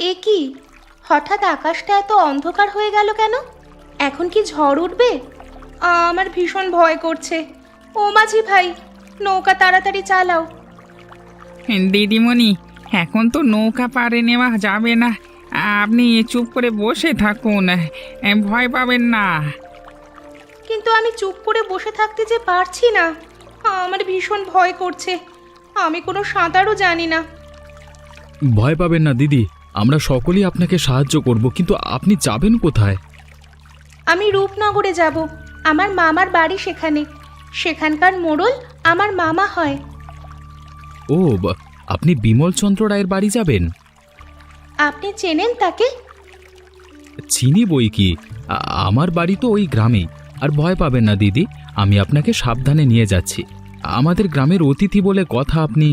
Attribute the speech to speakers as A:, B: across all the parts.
A: এ কি, হঠাৎ আকাশটা এত অন্ধকার হয়ে গেল কেন? এখন কি ঝড় উঠবে? আমার ভীষণ ভয় করছে। ও মাঝি ভাই, নৌকা তাড়াতাড়ি চালাও।
B: দিদিমণি, এখন তো নৌকা পাড়ে নেওয়া যাবে না। আপনি চুপ করে বসে থাকুন, ভয় পাবেন না।
A: কিন্তু আমি চুপ করে বসে থাকতে যে পারছি না। আমার ভীষণ ভয় করছে। আমি কোনো সাঁতারও জানি না।
C: ভয় পাবেন না দিদি, আমরা সকলেই আপনাকে সাহায্য করব, কিন্তু আপনি যাবেন কোথায়?
A: আমি রূপনগরে যাব। আমার মামার বাড়ি সেখানে। সেখানকার মোড়ল আমার মামা হয়।
C: ও, আপনি বিমলচন্দ্র রায়ের বাড়ি যাবেন?
A: আপনি চেনেন তাকে?
C: চিনি বই কি, আমার বাড়ি তো ওই গ্রামেই। আর ভয় পাবেন না দিদি, আমি আপনাকে সাবধানে নিয়ে যাচ্ছি। আমাদের গ্রামের অতিথি বলে কথা আপনি।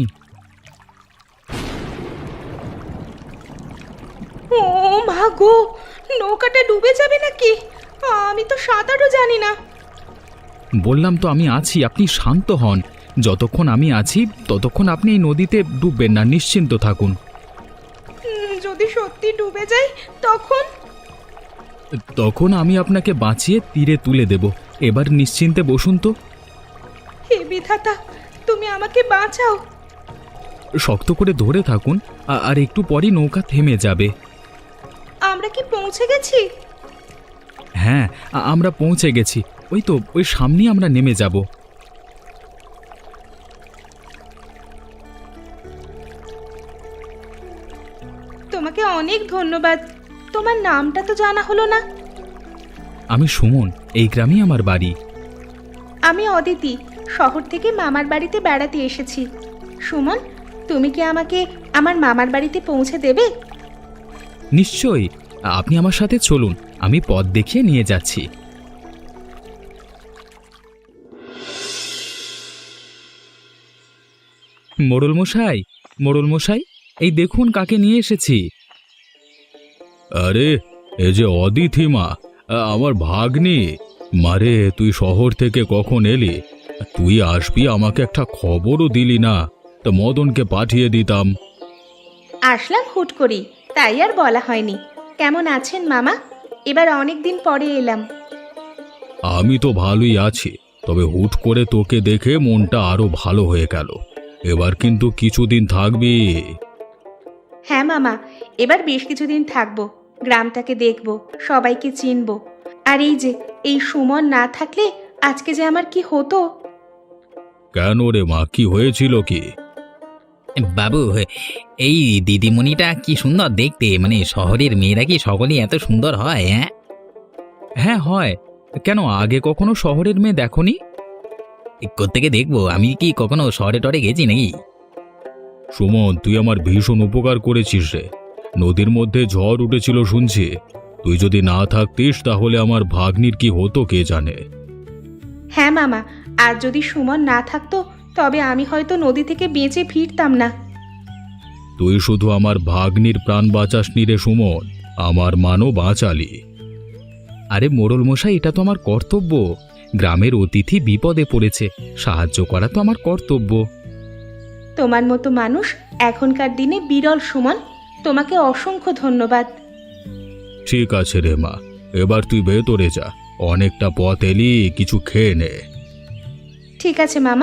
A: ও মা গো, নৌকাটা ডুবে যাবে নাকি? আমি তো সাঁতারও জানি না।
C: বললাম তো আমি আছি, আপনি শান্ত হন। যতক্ষণ আমি আছি ততক্ষণ আপনি এই নদীতে ডুববেন না, নিশ্চিন্ত থাকুন।
A: যদি সত্যি ডুবে যাই তখন?
C: তখন আমি আপনাকে বাঁচিয়ে তীরে তুলে দেব। এবার নিশ্চিন্তে বসুন তো।
A: হে বিধাতা, তুমি আমাকে বাঁচাও।
C: শক্ত করে ধরে থাকুন, আর একটু পরই নৌকা থেমে যাবে।
A: আমরা কি পৌঁছে গেছি?
C: হ্যাঁ, আমরা পৌঁছে গেছি। ওই তো ওই সামনেই আমরা নেমে যাব।
A: তোমাকে অনেক ধন্যবাদ। তোমার নামটা তো জানা হলো না।
C: আমি সুমন, এই গ্রামেই আমার বাড়ি।
A: আমি অদিতি, শহর থেকে মামার বাড়িতে বেড়াতে এসেছি। সুমন, তুমি কি আমাকে আমার মামার বাড়িতে পৌঁছে দেবে?
C: নিশ্চয়ই, আপনি আমার সাথে চলুন, আমি পথ দেখিয়ে নিয়ে যাচ্ছি। মোড়ল মশাই, মোড়ল মশাই, এই দেখুন কাকে নিয়ে এসেছি। আরে, এ যে অদিতি মা, আমার ভাগ্নি। মারে, তুই শহর থেকে কখন এলি? তুই আসবি আমাকে একটা খবরও দিলি না, তো মদনকে পাঠিয়ে দিতাম।
A: আসলাম হুট করি, তাই আর বলা হয়নি। কেমন আছেন মামা? এবার অনেক দিন পরে এলাম।
C: আমি তো ভালোই আছি, তবে হুট করে তোকে দেখে মনটা আরো ভালো হয়ে গেল। এবার কিন্তু কিছুদিন থাকবি।
A: হ্যাঁ মামা, এবার বেশ কিছুদিন থাকবো। গ্রামটাকে দেখবো, সবাইকে চিনবো। আর এই যে এই সুমন না থাকলে আজকে যে আমার কি হতো।
C: কেন রে মা, কি হয়েছিল কি?
B: বাবু, এই দিদিমণিটা কি সুন্দর দেখতে। মানে শহরের মেয়েরা কি সকলেই এত সুন্দর হয়? হ্যাঁ
C: হ্যাঁ হয়। কেন, আগে কখনো শহরের মেয়ে দেখনি?
B: কোত্থেকে দেখবো, আমি কি কখনো শহরে টরে গেছি নাকি?
C: সুমন, তুই আমার ভীষণ উপকার করেছিস রে। নদীর মধ্যে ঝড় উঠেছিল শুনছি। তুই যদি না থাকতিস তাহলে আমার ভাগ্নির কি হতো কে জানে।
A: হ্যাঁ মামা, আর যদি সুমন না থাকতো তবে আমি হয়তো নদী থেকে বেঁচে ফিরতাম না।
C: তুই শুধু আমার ভাগ্নির প্রাণ বাঁচাসনি রে সুমন, আমার মানও বাঁচালি। আরে মোড়ল মশাই, এটা তো আমার কর্তব্য। গ্রামের অতিথি বিপদে পড়েছে, সাহায্য করা তো আমার কর্তব্য।
A: তোমার মতো মানুষ এখনকার দিনে বিরল সুমন। তোমাকে অসংখ্য ধন্যবাদ।
C: ঠিক আছে রে মা, এবার তুই ভেতরে যা। অনেকটা পথ এলি, কিছু খেয়ে নে।
A: ঠিক আছে মামা।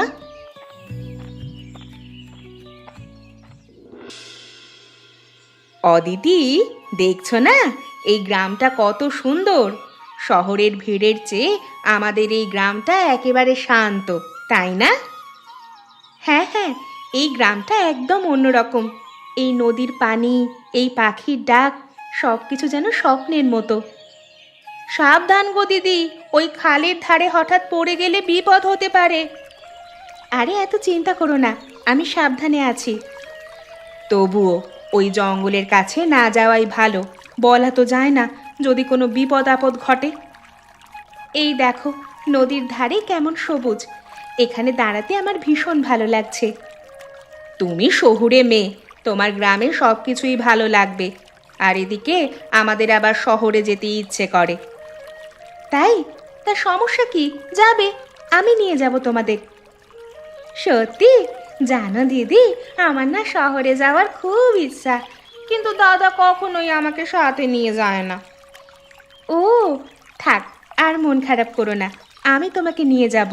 A: অদিতি, দেখছো না এই গ্রামটা কত সুন্দর? শহরের ভিড়ের চেয়ে আমাদের এই গ্রামটা একেবারে শান্ত, তাই না? হ্যাঁ হ্যাঁ, এই গ্রামটা একদম অন্যরকম। এই নদীর পানি, এই পাখির ডাক, সব কিছু যেন স্বপ্নের মতো। সাবধান গো দিদি, ওই খালের ধারে হঠাৎ পড়ে গেলে বিপদ হতে পারে। আরে এত চিন্তা করো না, আমি সাবধানে আছি। তবুও ওই জঙ্গলের কাছে না যাওয়াই ভালো। বলা তো যায় না যদি কোনো বিপদ আপদ ঘটে। এই দেখো নদীর ধারে কেমন সবুজ। এখানে দাঁড়াতে আমার ভীষণ ভালো লাগছে। তুমি শহুরে মেয়ে, তোমার গ্রামে সব কিছুই ভালো লাগবে। আর এদিকে আমাদের আবার শহরে যেতে ইচ্ছে করে। তাই? তা সমস্যা কি? যাবে, আমি নিয়ে যাব তোমাদের। সত্যি? জানো দিদি, আমার না শহরে যাওয়ার খুব ইচ্ছা। কিন্তু দাদা কখনোই আমাকে সাথে নিয়ে যায় না। ও থাক, আর মন খারাপ করো না, আমি তোমাকে নিয়ে যাব।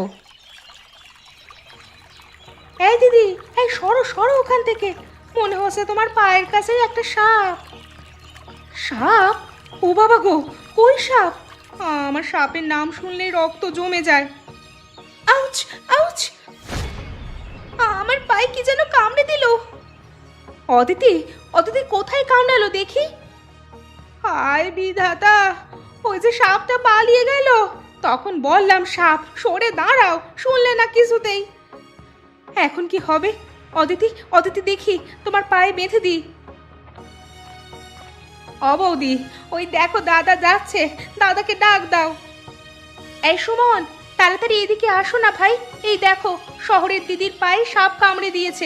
A: এই দিদি, এই সরো সরো ওখান থেকে, মনে হচ্ছে তোমার পায়ের কাছেই একটা সাপ। সাপ? ও বাবা গো, কই সাপ? আমার সাপের নাম শুনলেই রক্ত জমে যায়। আউচ আউচ, আমার পায়ে কি যেন কামড়ে দিল। অদিতি, অদিতি কোথায় কামড়ালো দেখি। হায় বিধাতা, ওই যে সাপটা পালিয়ে গেল। তখন বললাম সাপ, সরে দাঁড়াও, শুনলে না কিছুতেই। এখন কি হবে? অদিতি, অদিতি দেখি তোমার পায়ে বেঁধে দিই। বৌদি, ওই দেখো দাদা যাচ্ছে, দাদাকে ডাক দাও। এই সুমন, তাড়াতাড়ি এদিকে আসো না ভাই, এই দেখো শহরের দিদির পায়ে সাপ কামড়ে দিয়েছে।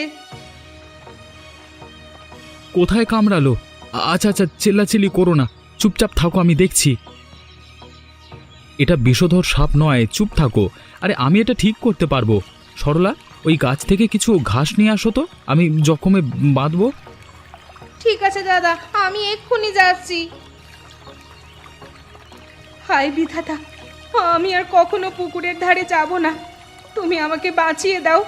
C: কোথায় কামড়ালো? আচ্ছা আচ্ছা, চিল্লাচিল্লি করো না, চুপচাপ থাকো, আমি দেখছি। এটা বিষধর সাপ নয়, চুপ থাকো। আরে আমি এটা ঠিক করতে পারবো। সরলা, ওই গাছ থেকে কিছু ঘাস নিয়ে আসো তো, আমি জখমে বাঁধবো।
A: ঠিক আছে দাদা, আমি এক্ষুনি যাচ্ছি। হায় বিধাতা, আমি আর কখনো পুকুরের ধারে যাব না, তুমি আমাকে বাঁচিয়ে দাও।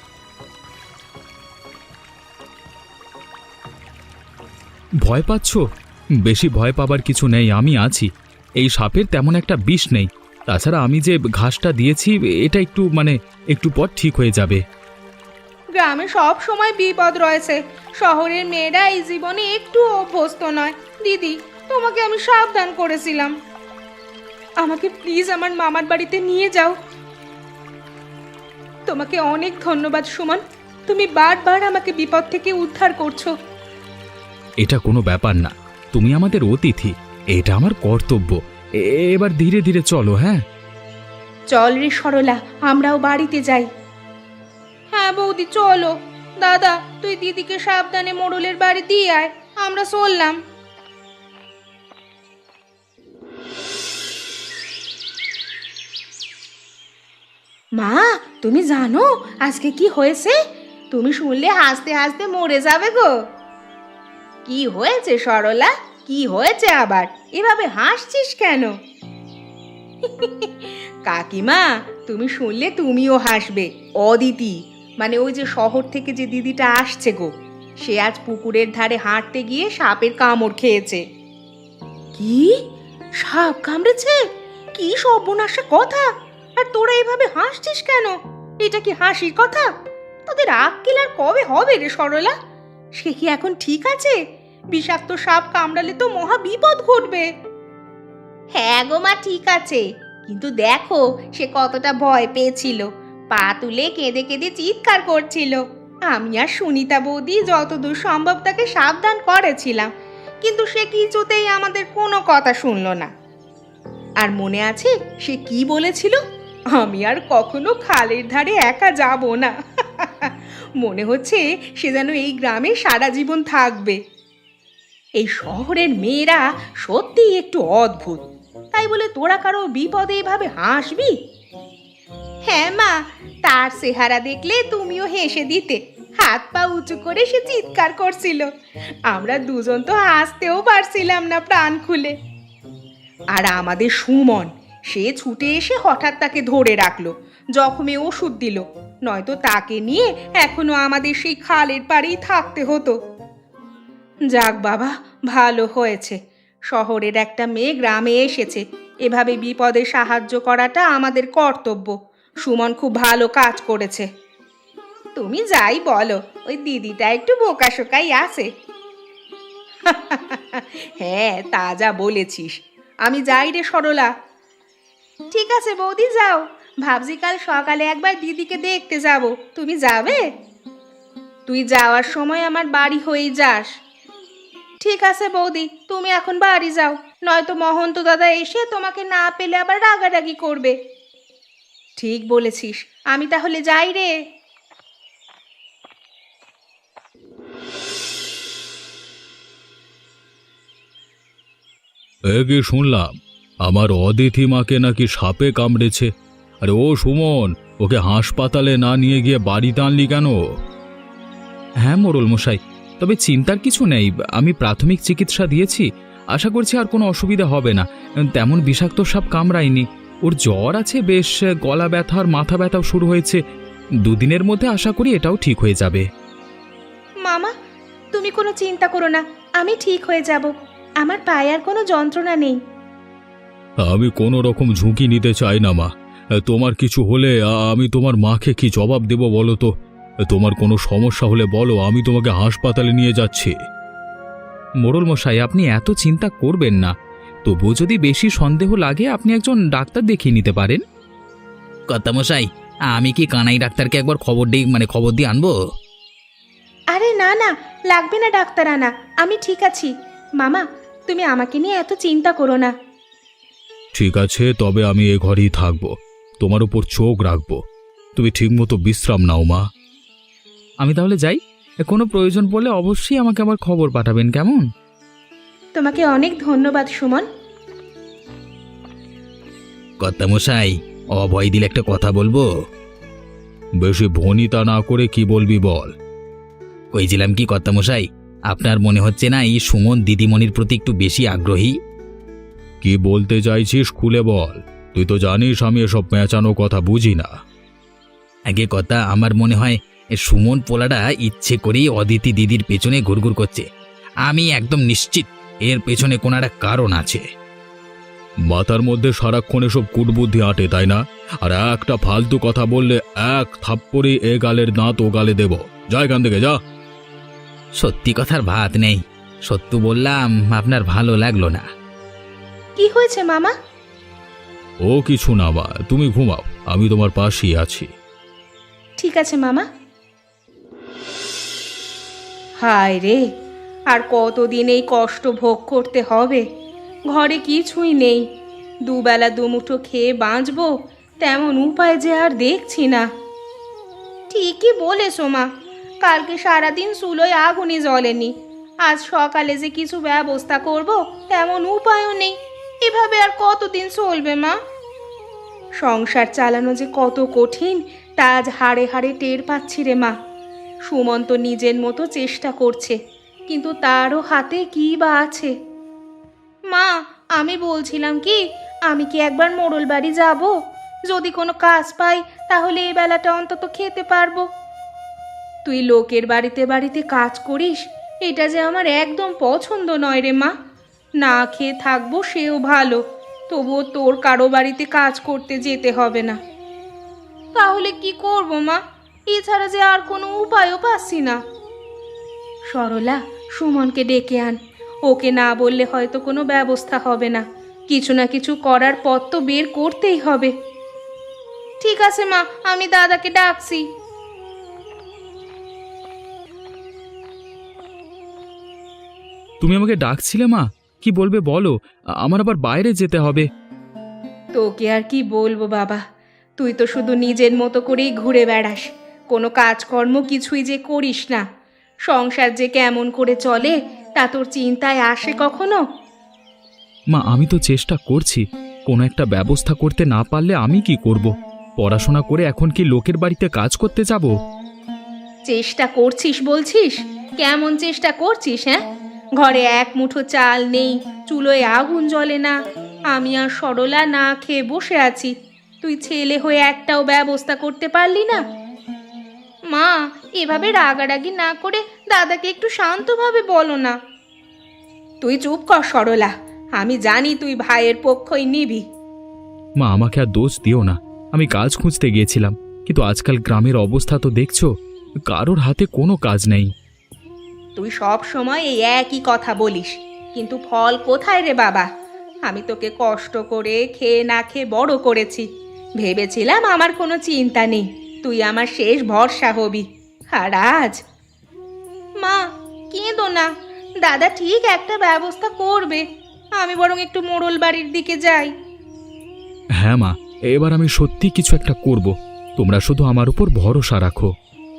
C: ভয় পাচ্ছ? বেশি ভয় পাবার কিছু নেই, আমি আছি। এই সাপের তেমন একটা বিষ নেই। তাছাড়া আমি যে ঘাসটা দিয়েছি, এটা একটু পর ঠিক হয়ে যাবে।
A: গ্রামে সব সময় বিপদ রয়েছে, শহরের মেয়েরা এই জীবনে একটু অভ্যস্ত নয়। দিদি, তোমাকে আমি সাবধান করেছিলাম, আমাকে প্লিজ আমার মামার বাড়িতে নিয়ে যাও। তোমাকে অনেক ধন্যবাদ সুমন, তুমি বারবার আমাকে বিপদ থেকে উদ্ধার করছো।
C: এটা কোনো ব্যাপার না, তুমি আমাদের অতিথি, এটা আমার কর্তব্য। এবার ধীরে ধীরে চলো। হ্যাঁ
A: চল রে সরলা, আমরাও বাড়িতে যাই। হ্যাঁ বৌদি চলো। দাদা, তুই দিদিকে সাবধানে মোড়লের বাড়ি দিয়ে আয়, আমরা চললাম। মা, তুমি জানো আজকে কি হয়েছে? তুমি শুনলে হাসতে হাসতে মরে যাবে গো। কি হয়েছে সরলা, কি হয়েছে আবার? এভাবে হাসছিস কেন? কাকিমা, তুমি শুনলে তুমিও হাসবে। অদিতি, মানে ওই যে শহর থেকে যে দিদিটা আসছে গো, সে আজ পুকুরের ধারে হাঁটতে গিয়ে সাপের কামড় খেয়েছে। কি? সাপ কামড়েছে? কি সর্বনাশা কথা! আর তোরা এভাবে হাসছিস কেন? এটা কি হাসির কথা? তোদের আক্কেল আর কবে হবে রে সরলা? সে কি এখন ঠিক আছে? বিষাক্ত সাপ কামড়ালে তো মহা বিপদ ঘটবে। হ্যাঁ গো মা, ঠিক আছে, কিন্তু দেখো সে কতটা ভয় পেয়েছিল, পা তুলে কেঁদে কেঁদে চিৎকার করছিল। আমি আর সুনিতা বৌদি যতদূর সম্ভব তাকে সাবধান করেছিলাম, কিন্তু সে কিছুতেই আমাদের কোনো কথা শুনলো না। আর মনে আছে সে কি বলেছিল? আমি আর কখনো খালের ধারে একা যাব না। মনে হচ্ছে সে যেন এই গ্রামে সারা জীবন থাকবে। এই শহরের মেয়েরা সত্যিই একটু অদ্ভুত। তাই বলে তোরা কারো বিপদে এভাবে হাসবি? হ্যাঁ মা, তার চেহারা দেখলে তুমিও হেসে দিতে। হাত পা উঁচু করে সে চিৎকার করছিল, আমরা দুজন তো হাসতেও পারছিলাম না প্রাণ খুলে। আর আমাদের সুমন, সে ছুটে এসে হঠাৎ তাকে ধরে রাখলো, জখমে ওষুধ দিল, নয়তো তাকে নিয়ে এখনো আমাদের সেই খালের পাড়েই থাকতে হতো। যাক বাবা, ভালো হয়েছে শহরের একটা মেয়ে গ্রামে এসেছে। এভাবে বিপদে সাহায্য করাটা আমাদের কর্তব্য। সুমন খুব ভালো কাজ করেছে। তুমি যাই বলো, ওই দিদিটা একটু বোকাশোকাই আছে। হ্যাঁ, তা যা বলেছিস। আমি যাই রে সরলা। ঠিক আছে বৌদি, যাও। ভাবছি কাল সকালে একবার দিদিকে দেখতে যাব, তুমি যাবে? তুই যাওয়ার সময় আমার বাড়ি হয়েই যাস। ঠিক আছে বৌদি, তুমি এখন বাড়ি যাও, নয়তো মহন্ত দাদা এসে তোমাকে না পেলে আবার রাগারাগি করবে। ঠিক বলেছিস, আমি তাহলে যাই রে।
C: কি শুনলাম, আমার অতিথি মাকে নাকি সাপে কামড়েছে? আরে ও সুমন, ওকে হাসপাতালে না নিয়ে গিয়ে বাড়িতে আনলি কেন? হ্যাঁ মোড়ল মশাই, তবে চিন্তার কিছু নেই, আমি প্রাথমিক চিকিৎসা দিয়েছি, আশা করছি আর কোনো অসুবিধা হবে না। তেমন বিষাক্ত সাপ কামড়ায়নি। ওর জ্বর আছে বেশ, গলা ব্যথা আর মাথা ব্যথাও শুরু হয়েছে। দুদিনের মধ্যে আশা করি এটাও ঠিক হয়ে যাবে।
A: মামা, তুমি কোনো চিন্তা করো না, আমি ঠিক হয়ে যাব। আমার পায়ে আর কোনো যন্ত্রণা নেই।
C: আমি কোনো রকম ঝুঁকি নিতে চাই না মা। তোমার কিছু হলে আমি তোমার মাকে কি জবাব দেব বলো তো? তোমার কোনো সমস্যা হলে বলো, আমি তোমাকে হাসপাতালে নিয়ে যাচ্ছি। মোড়ল মশাই, আপনি এত চিন্তা করবেন না। তবুও যদি বেশি সন্দেহ লাগে আপনি একজন ডাক্তার দেখিয়ে নিতে পারেন। কর্তামশাই, আমি কি কানাই ডাক্তারকে একবার খবর দিয়ে আনবো?
A: আরে না না, লাগবে না ডাক্তার আনা, আমি ঠিক আছি। মামা, তুমি আমাকে নিয়ে এত চিন্তা করো না।
C: ঠিক আছে, তবে আমি এ ঘরেই থাকবো, তোমার উপর চোখ রাখবো। তুমি ঠিকমতো বিশ্রাম নাও মা। আমি তাহলে যাই। কোনো প্রয়োজন পড়লে অবশ্যই আমাকে আবার খবর পাঠাবেন, কেমন?
A: তোমাকে অনেক ধন্যবাদ সুমন।
C: কর্তামশাই, অভয় দিলে একটা কথা বলবো। বেশি ভনিতা না করে কি বলবি বল। কইছিলাম কি কর্তামশাই, আপনার মনে হচ্ছে না এই সুমন দিদিমণির প্রতি একটু বেশি আগ্রহী? কি বলতে চাইছিস খুলে বল, তুই তো জানিস আমি এসব পেঁচানো কথা বুঝি না। আগে কথা, আমার মনে হয় সুমন পোলাটা ইচ্ছে করেই অদিতি দিদির পেছনে ঘুরঘুর করছে। আমি একদম নিশ্চিত এর পেছনে কোনো একটা কারণ আছে। মাথার মধ্যে সারাক্ষণ এসব কুটবুদ্ধি আটে, তাই না? আর একটা ফালতু কথা বললে এক থাপ্পড়ে এ গালের দাঁত ও গালে দেব। যা এখান থেকে, যা। সত্যি কথার ভাত নেই, সত্য বললাম, আপনার ভালো লাগলো না।
A: কি হয়েছে মামা?
C: ও কিছু না মা, তুমি ঘুমাও, আমি তোমার পাশেই আছি।
A: ঠিক আছে মামা। হায় রে, আর কতদিন এই কষ্ট ভোগ করতে হবে? ঘরে কিছুই নেই, দুবেলা দুমুঠো খেয়ে বাঁচবো তেমন উপায় যে আর দেখছি না। ঠিকই বলেছো মা, কালকে সারাদিন চুলোয় আগুনই জ্বলেনি। আজ সকালে যে কিছু ব্যবস্থা করব তেমন উপায়ও নেই। এভাবে আর কতদিন চলবে মা? সংসার চালানো যে কত কঠিন তা আজ হাড়ে হাড়ে টের পাচ্ছি রে মা। সুমন তো নিজের মতো চেষ্টা করছে, কিন্তু তারও হাতে কী বা আছে। মা, আমি বলছিলাম কি, আমি কি একবার মোড়ল বাড়ি যাব? যদি কোনো কাজ পাই তাহলে এই বেলাটা অন্তত খেতে পারবো। তুই লোকের বাড়িতে বাড়িতে কাজ করিস, এটা যে আমার একদম পছন্দ নয় রে মা। না খেয়ে থাকবো সেও ভালো, তবুও তোর কারো বাড়িতে কাজ করতে যেতে হবে না। তাহলে কি করব মা? এছাড়া যে আর কোনো উপায়ও পাচ্ছি না। সরলা, সুমনকে ডেকে আন। ওকে না বললে হয়তো কোনো ব্যবস্থা হবে না। কিছু না কিছু করার পথ তো বের করতেই হবে। ঠিক আছে মা, আমি দাদাকে ডাকছি।
C: তুমি আমাকে ডাকছিলে মা? কি বলবে বলো, আমার আবার বাইরে যেতে হবে।
A: তোকে আর কি বলবো বাবা, তুই তো শুধু নিজের মতো করেই ঘুরে বেড়াস, কোনো কাজকর্ম কিছুই যে করিস না। সংসার যে কেমন করে চলে তা তোর চিন্তায় আসে কখনো?
C: মা, আমি তো চেষ্টা করছি, কোনো একটা ব্যবস্থা করতে না পারলে আমি কি করব? পড়াশোনা করে এখন কি লোকের বাড়িতে কাজ করতে যাব?
A: চেষ্টা করছিস বলছিস? কেমন চেষ্টা করছিস? হ্যাঁ, ঘরে এক মুঠো চাল নেই, চুলোয় আগুন জ্বলে না, আমি আর সরলা না খেয়ে বসে আছি। তুই ছেলে হয়ে একটাও ব্যবস্থা করতে পারলি না? মা, এভাবে রাগারাগি না করে দাদাকে একটু শান্তভাবে বলো না। তুই চুপ কর সরলা, আমি জানি তুই ভাইয়ের পক্ষই নিবি।
C: মা, আমাকে আর দোষ দিও না, আমি কাজ খুঁজতে গিয়েছিলাম, কিন্তু আজকাল গ্রামের অবস্থা তো দেখছো, কারোর হাতে কোনো কাজ নেই।
A: তুই সব সময় এই একই কথা বলিস, কিন্তু ফল কোথায় রে বাবা? আমি তোকে কষ্ট করে খেয়ে না খেয়ে বড় করেছি, ভেবেছিলাম আমার কোনো চিন্তা নেই, তুই আমার শেষ ভরসা হবি। আর আজ? মা, কেঁদো না, দাদা ঠিক একটা ব্যবস্থা করবে। আমি বরং একটু মোড়ল বাড়ির দিকে যাই।
C: হ্যাঁ মা, এবার আমি সত্যি কিছু একটা করব, তোমরা শুধু আমার উপর ভরসা রাখো।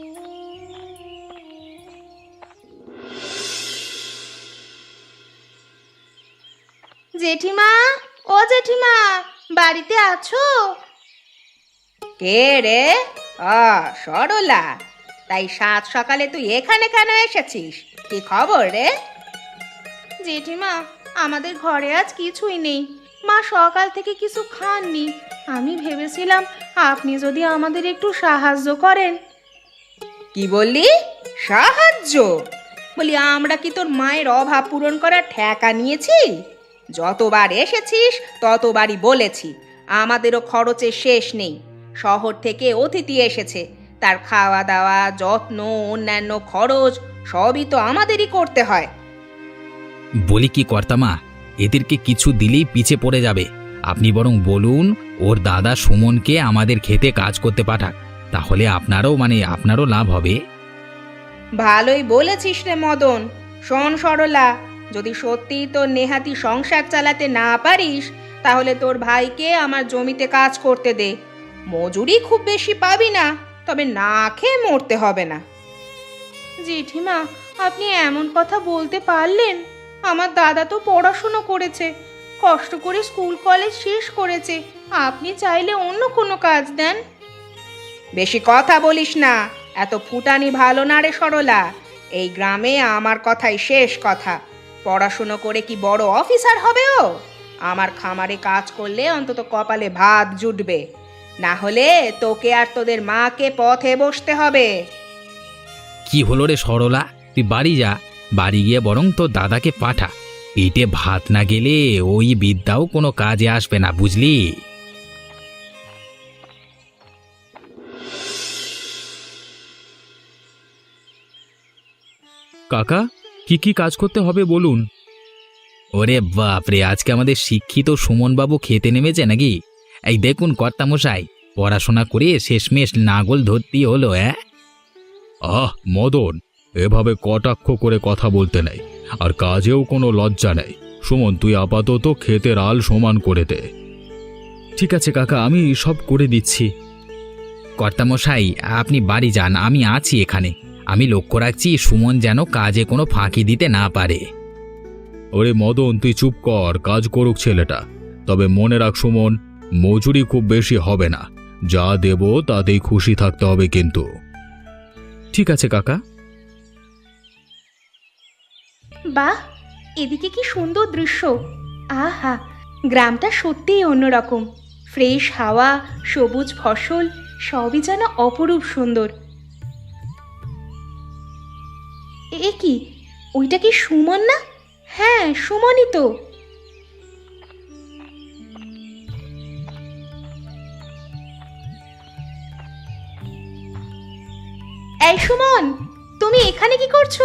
A: জেঠিমা, ও জেঠিমা, বাড়িতে আছো? কে রে? সরলা, তাই সাত সকালে তুই এখানে কেন এসেছিস? কি খবর রে? জেঠিমা, আমাদের ঘরে আজ কিছুই নেই। মা সকাল থেকে কিছু খাননি। আমি ভেবেছিলাম আপনি যদি আমাদের একটু সাহায্য করেন। কি বললি? সাহায্য? বলি আমরা কি তোর মায়ের অভাব পূরণ করার ঠেকা নিয়েছি? যতবার এসেছিস ততবারই বলেছি আমাদেরও খরচের শেষ নেই। শহর থেকে অতিথি এসেছে, তার খাওয়া দাওয়া, যত্ন, অন্যান্য খরচ সবই তো আমাদেরই করতে হয়।
C: বলি কি কর্তামা, এদেরকে কিছু দিলেই পিছে পড়ে যাবে। আপনি বরং বলুন ওর দাদা সুমনকে আমাদের খেতে কাজ করতে পাঠাক, তাহলে আপনারও লাভ হবে।
A: ভালোই বলেছিস রে মদন। শোন সরলা, যদি সত্যি তোর নেহাতি সংসার চালাতে না পারিস তাহলে তোর ভাইকে আমার জমিতে কাজ করতে দে। মজুরি খুব বেশি পাবি না, তবে না খেয়ে মরতে হবে না। জেঠিমা, আপনি এমন কথা বলতে পারলেন? আমার দাদা তো পড়াশুনো করেছে, কষ্ট করে স্কুল কলেজ শেষ করেছে। আপনি চাইলে অন্য কোনো কাজ দেন। বেশি কথা বলিস না, এত ফুটানি ভালো না রে সরলা। এই গ্রামে আমার কথাই শেষ কথা। পড়াশুনো করে কি বড় অফিসার হবে ও? আমার খামারে কাজ করলে অন্তত কপালে ভাত জুটবে, না হলে তোকে আর তোদের মাকে পথে বসতে হবে।
C: কি হলো রে সরলা, তুই বাড়ি যা, বাড়ি গিয়ে বরং তোর দাদাকে পাঠা। পেটে ভাত না গেলে ওই বিদ্যাও কোনো কাজে আসবে না, বুঝলি? কাকা, কি কি কাজ করতে হবে বলুন? ওরে বাপরে, আজকে আমাদের শিক্ষিত সুমনবাবু খেতে নেমেছে নাকি? এই দেখুন কর্তামশাই, পড়াশোনা করে শেষমেশ নাগল ধরতে হলো। মদন, এভাবে কটাক্ষ করে কথা বলতে নেই, আর কাজেও কোনো লজ্জা নেই। সুমন, তুই আপাতত ক্ষেতের আল সমান করে দে। ঠিক আছে কাকা, আমি সব করে দিচ্ছি। কর্তামশাই, আপনি বাড়ি যান, আমি আছি এখানে। আমি লক্ষ্য রাখছি সুমন যেন কাজে কোনো ফাঁকি দিতে না পারে। ওরে মদন, তুই চুপ কর, কাজ করুক ছেলেটা। তবে মনে রাখ সুমন, মজুরি খুব বেশি হবে না, যা দেব তাতেই খুশি থাকতে হবে কিন্তু। ঠিক আছে কাকা।
A: বাহ, এদিকে কি সুন্দর দৃশ্য! আহা, গ্রামটা সত্যিই অন্যরকম। ফ্রেশ হাওয়া, সবুজ ফসল, সবই যেন অপরূপ সুন্দর। এ কি, ওইটা কি সুমন না? হ্যাঁ, সুমনই তো। এই সুমন, তুমি এখানে কি করছো?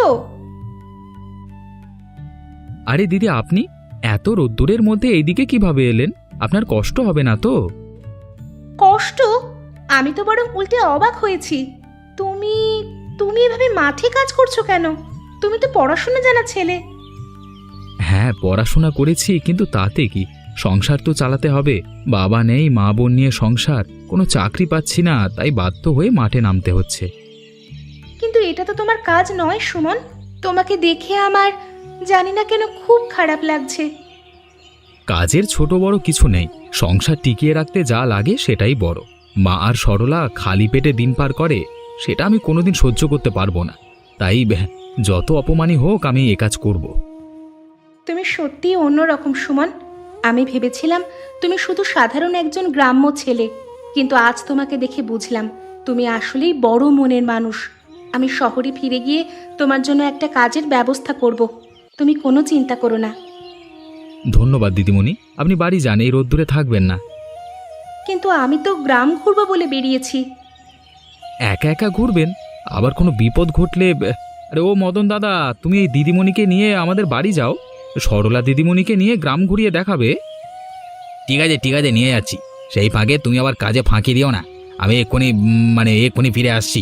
C: আরে দিদি, আপনি এত রোদ্দুরের মধ্যে এইদিকে কিভাবে এলেন? আপনার কষ্ট হবে না তো?
A: কষ্ট? আমি তো বরং উল্টে অবাক হয়েছি। তুমি তুমি এভাবে মাঠে কাজ করছো কেন? তুমি তো পড়াশোনা জানা ছেলে।
C: হ্যাঁ, পড়াশোনা করেছি, কিন্তু তাতে কি, সংসার তো চালাতে হবে। বাবা নেই, মা বোন নিয়ে সংসার, কোনো চাকরি পাচ্ছি না, তাই বাধ্য হয়ে মাঠে নামতে হচ্ছে।
A: কিন্তু এটা তো তোমার কাজ নয় সুমন। তোমাকে দেখে আমার জানি না কেন খুব খারাপ লাগছে।
C: কাজের ছোট বড় কিছু নেই, সংসার টিকিয়ে রাখতে যা লাগে সেটাই বড়। মা আর সরলা খালি পেটে দিন পার করে, সেটা আমি কোনোদিন সহ্য করতে পারবো না। তাই যত অপমানই হোক, আমি এ কাজ করব।
A: তুমি সত্যিই অন্যরকম সুমন। আমি ভেবেছিলাম তুমি শুধু সাধারণ একজন গ্রাম্য ছেলে, কিন্তু আজ তোমাকে দেখে বুঝলাম তুমি আসলেই বড় মনের মানুষ। আমি শহরে ফিরে গিয়ে তোমার জন্য একটা কাজের ব্যবস্থা করব, তুমি কোনো চিন্তা করো না।
C: ধন্যবাদ দিদিমণি, আপনি বাড়ি যান, এই রোদ্দুরে থাকবেন না।
A: কিন্তু আমি তো গ্রাম ঘুরবো বলে বেরিয়েছি।
C: একা একা ঘুরবেন? আবার কোনো বিপদ ঘটলে? আরে ও মদন দাদা, তুমি এই দিদিমণিকে নিয়ে আমাদের বাড়ি যাও, সরলা দিদিমণিকে নিয়ে গ্রাম ঘুরিয়ে দেখাবে। ঠিক আছে ঠিক আছে, নিয়ে যাচ্ছি। সেই ফাঁকে তুমি আবার কাজে ফাঁকি দিও না, আমি এক্ষুনি ফিরে আসছি।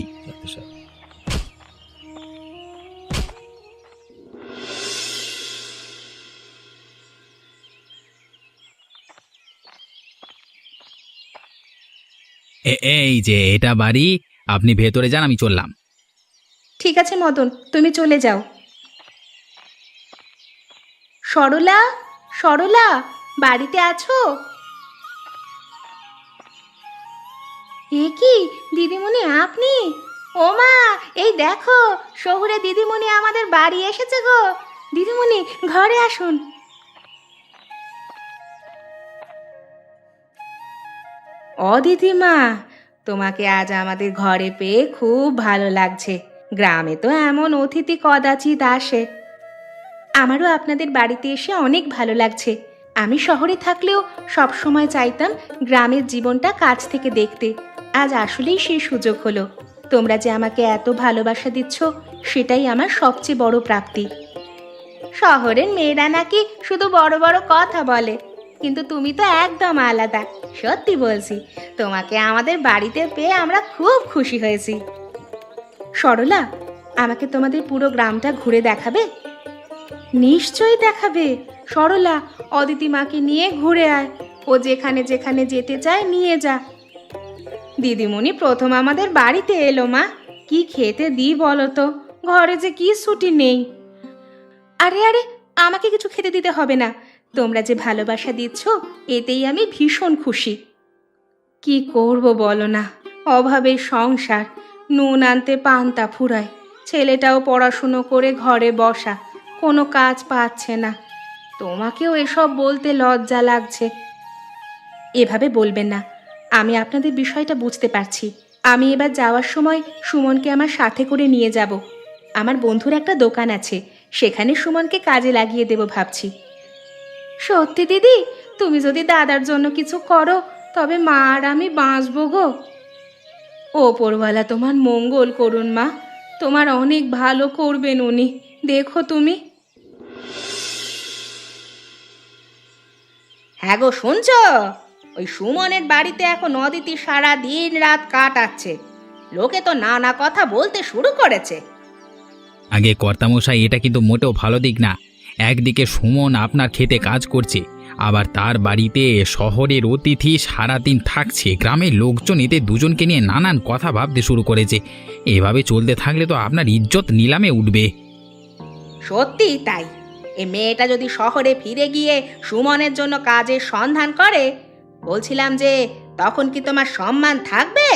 C: এই যে এটা বাড়ি, আপনি ভেতরে যান, আমি চললাম।
A: ঠিক আছে মদন, তুমি চলে যাও। সরলা, সরলা, বাড়িতে আছো? এ কি দিদিমণি, আপনি? ও মা, এই দেখো শহুরে দিদিমণি আমাদের বাড়ি এসেছে গো। দিদিমণি, ঘরে আসুন। ও দিদিমা, তোমাকে আজ আমাদের ঘরে পেয়ে খুব ভালো লাগছে। গ্রামে তো এমন অতিথি কদাচিৎ আসে। আমারও আপনাদের বাড়িতে এসে অনেক ভালো লাগছে। আমি শহরে থাকলেও সব সময় চাইতাম গ্রামের জীবনটা কাছ থেকে দেখতে। আজ আসলেই সেই সুযোগ হলো। তোমরা যে আমাকে এত ভালোবাসা দিচ্ছ, সেটাই আমার সবচেয়ে বড় প্রাপ্তি। শহরের মেয়েরা নাকি শুধু বড় বড় কথা বলে, কিন্তু তুমি তো একদম আলাদা। সত্যি বলছি, তোমাকে আমাদের বাড়িতে পেয়ে আমরা খুব খুশি হয়েছি। সরলা, আমাকে তোমাদের পুরো গ্রামটা ঘুরে দেখাবে? নিশ্চয়ই দেখাবে। সরলা, অদিতি মাকে নিয়ে ঘুরে আয়। ও যেখানে যেখানে যেতে চায় নিয়ে যা। দিদিমণি প্রথম আমাদের বাড়িতে এলো মা, কি খেতে দিই বলো তো? ঘরে যে কি ছুটি নেই। আরে আরে, আমাকে কিছু খেতে দিতে হবে না। তোমরা যে ভালোবাসা দিচ্ছ, এতেই আমি ভীষণ খুশি। কি করব বলো না, অভাবের সংসার। নুন আনতে পান্তা ফুরায়। ছেলেটাও পড়াশুনো করে ঘরে বসা, কোনো কাজ পাচ্ছে না। তোমাকেও এসব বলতে লজ্জা লাগছে। এভাবে বলবেন না, আমি আপনাদের বিষয়টা বুঝতে পারছি। আমি এবার যাওয়ার সময় সুমনকে আমার সাথে করে নিয়ে যাব। আমার বন্ধুর একটা দোকান আছে, সেখানে সুমনকে কাজে লাগিয়ে দেব ভাবছি। সত্যি দিদি, তুমি যদি দাদার জন্য কিছু করো, তবে মা আর আমি বাঁচবো গো। ওপরওয়ালা তোমার মঙ্গল করুন মা, তোমার অনেক ভালো করবেন উনি, দেখো তুমি। হ্যাঁ গো, শুনছ? ওই সুমনের বাড়িতে এখন অদিতি সারা দিন রাত কাটাচ্ছে। লোকে তো নানা কথা বলতে শুরু করেছে।
B: আগে কর্তামশাই, এটা কিন্তু মোটেও ভালো দিক না। একদিকে সুমন আপনার খেতে কাজ করছে, আবার তার বাড়িতে শহরের অতিথি সারাদিন থাকছে। গ্রামের লোকজন এতে দুজনকে নিয়ে নানান কথা ভাবতে শুরু করেছে। এভাবে চলতে থাকলে তো আপনার ইজ্জত নিলামে উঠবে।
A: সত্যি তাই। এই মেয়েটা যদি শহরে ফিরে গিয়ে সুমনের জন্য কাজের সন্ধান করে, বলছিলাম যে তখন কি তোমার সম্মান থাকবে?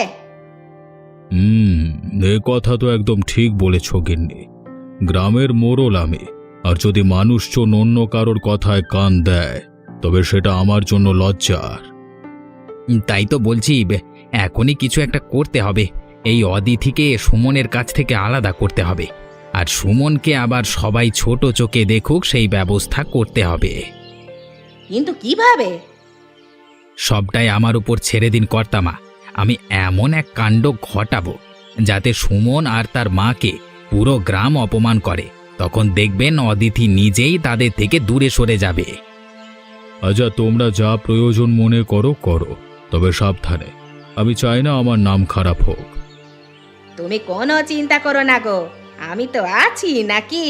C: এ কথা তো একদম ঠিক বলেছ গিন্নি। গ্রামের মোড়ল আমি, আর যদি মানুষজন অন্য কারোর কথায় কান দেয়, তবে সেটা আমার জন্য লজ্জার।
B: তাই তো বলছি, এখনই কিছু একটা করতে হবে। এই অদিতিকে সুমনের কাছ থেকে আলাদা করতে হবে, আর সুমনকে আবার সবাই ছোট চোখে দেখুক সেই ব্যবস্থা করতে হবে।
A: কিন্তু কিভাবে?
B: সবটাই আমার উপর ছেড়ে দিন কর্তামা। আমি এমন এক কাণ্ড ঘটাবো যাতে সুমন আর তার মাকে পুরো গ্রাম অপমান করে। তখন দেখবেন অদিতি নিজেই তাদের থেকে দূরে সরে যাবে।
C: আচ্ছা, তোমরা যা প্রয়োজন মনে করো করো, তবে সাবধানে। আমি চাই না আমার নাম খারাপ হোক।
A: তুমি কোনো চিন্তা করো না গো, আমি তো আছি নাকি।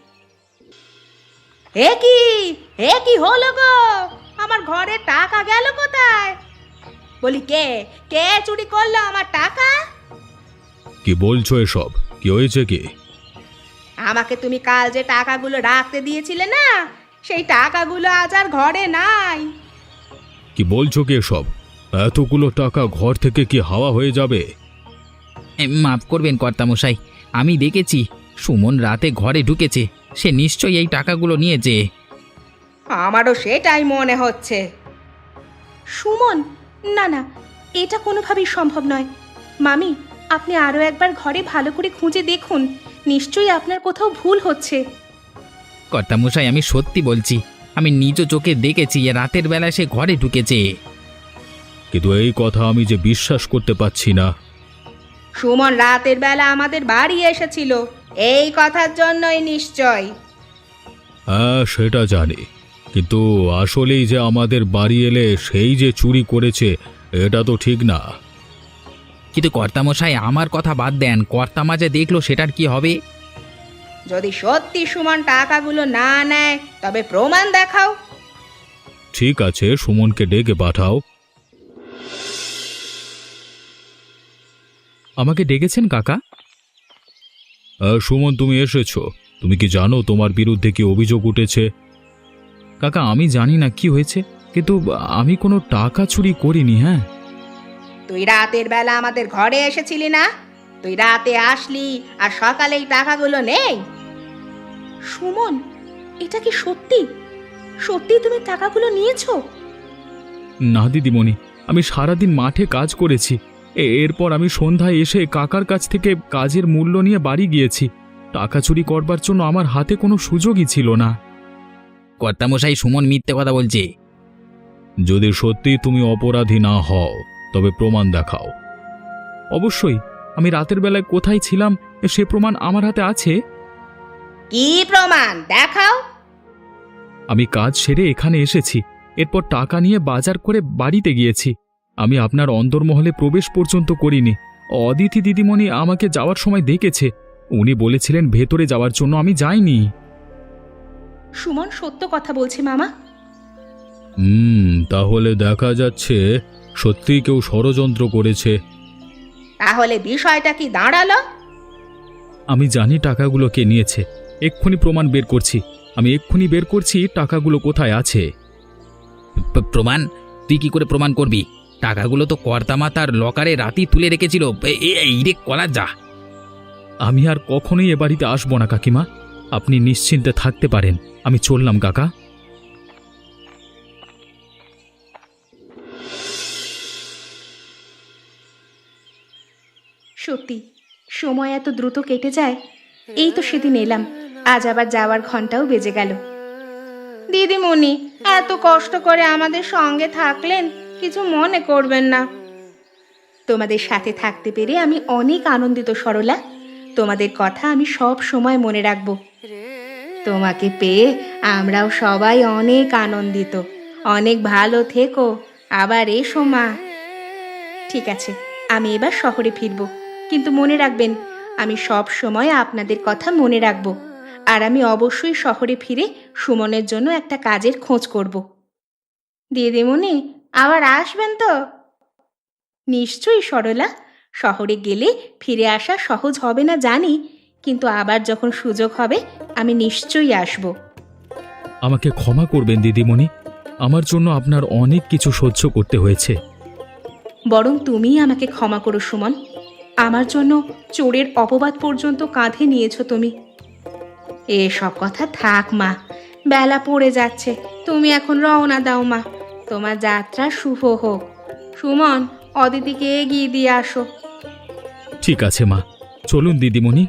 A: হে কি হলো গো? আমার ঘরে টাকা গেল কোথায়? বলি, কে কে চুরি করলো আমার টাকা?
C: কি বলছো এসব? কি হয়েছে কি?
A: আমাকে তুমি কাল যে টাকাগুলো রাখতে দিয়েছিলে না, সেই টাকাগুলো আজ আর ঘরে নাই।
C: কি বলছো কি এসব? এতগুলো টাকা ঘর থেকে কি হাওয়া হয়ে যাবে?
B: মাফ করবেন কর্তামশাই, আমি দেখেছি সুমন রাতে ঘরে ঢুকেছে। সে নিশ্চয়ই এই টাকাগুলো নিয়েছে।
A: আমারও সেটাই মনে হচ্ছে। সুমন? না না, এটা কোনোভাবেই সম্ভব নয়। মামি, আপনি আরও একবার ঘরে ভালো করে খুঁজে দেখুন, নিশ্চয়ই আপনার কোথাও ভুল হচ্ছে।
B: কর্তামশাই, আমি সত্যি বলছি, আমি নিজ চোখে দেখেছি রাতের বেলা সে ঘরে ঢুকেছে।
C: কিন্তু এই কথা আমি যে বিশ্বাস করতে পারছি না।
A: সুমন রাতের বেলা আমাদের বাড়ি এসেছিল, এই কথার জন্যই নিশ্চয়।
C: হ্যাঁ, সেটা জানি, কিন্তু আসলেই যে আমাদের বাড়ি এলে সেই যে চুরি করেছে, এটা তো ঠিক না।
B: কিন্তু কর্তামশাই, আমার কথা বাদ দেন, কর্তামা যে দেখলো সেটার কি হবে?
A: যদি সত্যি সুমন টাকাগুলো না নেয়, তবে প্রমাণ দেখাও।
C: ঠিক আছে, সুমনকে ডেকে পাঠাও।
B: আমাকে ডেকেছেন কাকা?
C: সুমন, তুমি এসেছো। তুমি কি জানো তোমার বিরুদ্ধে কি অভিযোগ উঠেছে?
B: কাকা, আমি জানি না কি হয়েছে, কিন্তু আমি কোনো টাকা চুরি করিনি। হ্যাঁ,
A: তুই রাতের বেলা আমাদের ঘরে এসেছিলি না? তুই রাতে আসলি আর সকালেই টাকাগুলো নেই। সুমন, এটা কি সত্যি? সত্যি তুমি টাকাগুলো নিয়েছো?
C: না দিদিমণি, আমি সারাদিন মাঠে কাজ করেছি। এরপর আমি সন্ধ্যায় এসে কাকার কাছ থেকে কাজের মূল্য নিয়ে বাড়ি গিয়েছি। টাকা চুরি করবার জন্য আমার হাতে কোনো সুযোগই ছিল না।
B: কর্তামশাই, সুমন মিথ্যে কথা বলছে।
C: যদি সত্যি তুমি অপরাধী না হও তবে প্রমাণ দেখাও। অবশ্যই, আমি রাতের বেলায় কোথায় ছিলাম সে প্রমাণ আমার হাতে আছে।
A: কি প্রমাণ দেখাও?
C: আমি কাজ সেরে এখানে এসেছি, এরপর টাকা নিয়ে বাজার করে বাড়িতে গিয়েছি। আমি আপনার অন্দরমহলে প্রবেশ পর্যন্ত করিনি। অদিতি দিদিমণি আমাকে যাওয়ার সময় দেখেছে। উনি বলেছিলেন ভেতরে যাওয়ার জন্য, আমি যাইনি।
A: সুমন সত্য কথা বলছে মামা।
C: তাহলে দেখা যাচ্ছে সত্যিই কেউ ষড়যন্ত্র করেছে।
A: তাহলে বিষয়টা কি দাঁড়ালো?
C: আমি জানি টাকাগুলো কে নিয়েছে। এক্ষুনি প্রমাণ বের করছি। আমি এক্ষুনি বের করছি টাকাগুলো কোথায় আছে।
B: প্রমাণ? তুই কি করে প্রমাণ করবি? টাকাগুলো তো কর্তামা তার লকারে রাতেই তুলে রেখেছিল। এই রে কলা যা।
C: আমি আর কখনোই এ বাড়িতে আসবো না কাকিমা, আপনি নিশ্চিন্তে থাকতে পারেন। আমি চললাম কাকা।
A: সত্যি সময় এত দ্রুত কেটে যায়। এই তো সেদিন এলাম, আজ আবার যাওয়ার ঘন্টাও বেজে গেল। দিদিমণি এত কষ্ট করে আমাদের সঙ্গে থাকলেন, কিছু মনে করবেন না। তোমাদের সাথে থাকতে পেরে আমি অনেক আনন্দিত সরলা। তোমাদের কথা আমি সব সময় মনে রাখব। তোমাকে পেয়ে আমরাও সবাই অনেক আনন্দিত। অনেক ভালো থেকো, আবার এসো মা। ঠিক আছে, আমি এবার শহরে ফিরব, কিন্তু মনে রাখবেন আমি সব সময় আপনাদের কথা মনে রাখব। আর আমি অবশ্যই শহরে ফিরে সুমনের জন্য একটা কাজের খোঁজ করব। দিদিমণি আবার আসবেন তো? নিশ্চয়ই সরলা, শহরে গেলে ফিরে আসা সহজ হবে না জানি, কিন্তু আবার যখন সুযোগ হবে আমি নিশ্চয়ই আসব।
C: আমাকে ক্ষমা করবেন দিদিমণি, আমার জন্য আপনার অনেক কিছু সহ্য করতে হয়েছে।
A: বরং তুমিই আমাকে ক্ষমা করো সুমন। আমার জন্য চোরের অপবাদ পর্যন্ত কাঁধে নিয়েছো তুমি। এসব কথা থাক মা, বেলা পড়ে যাচ্ছে। তুমি এখন রওনা দাও মা, তোমার যাত্রা শুভ হোক। সুমন, অদিতিকে এগিয়ে দিয়ে আসো।
C: ঠিক আছে মা, চলুন দিদিমণি।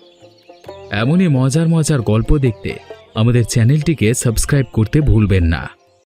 C: এমনই মজার মজার গল্প দেখতে আমাদের চ্যানেলটিকে সাবস্ক্রাইব করতে ভুলবেন না।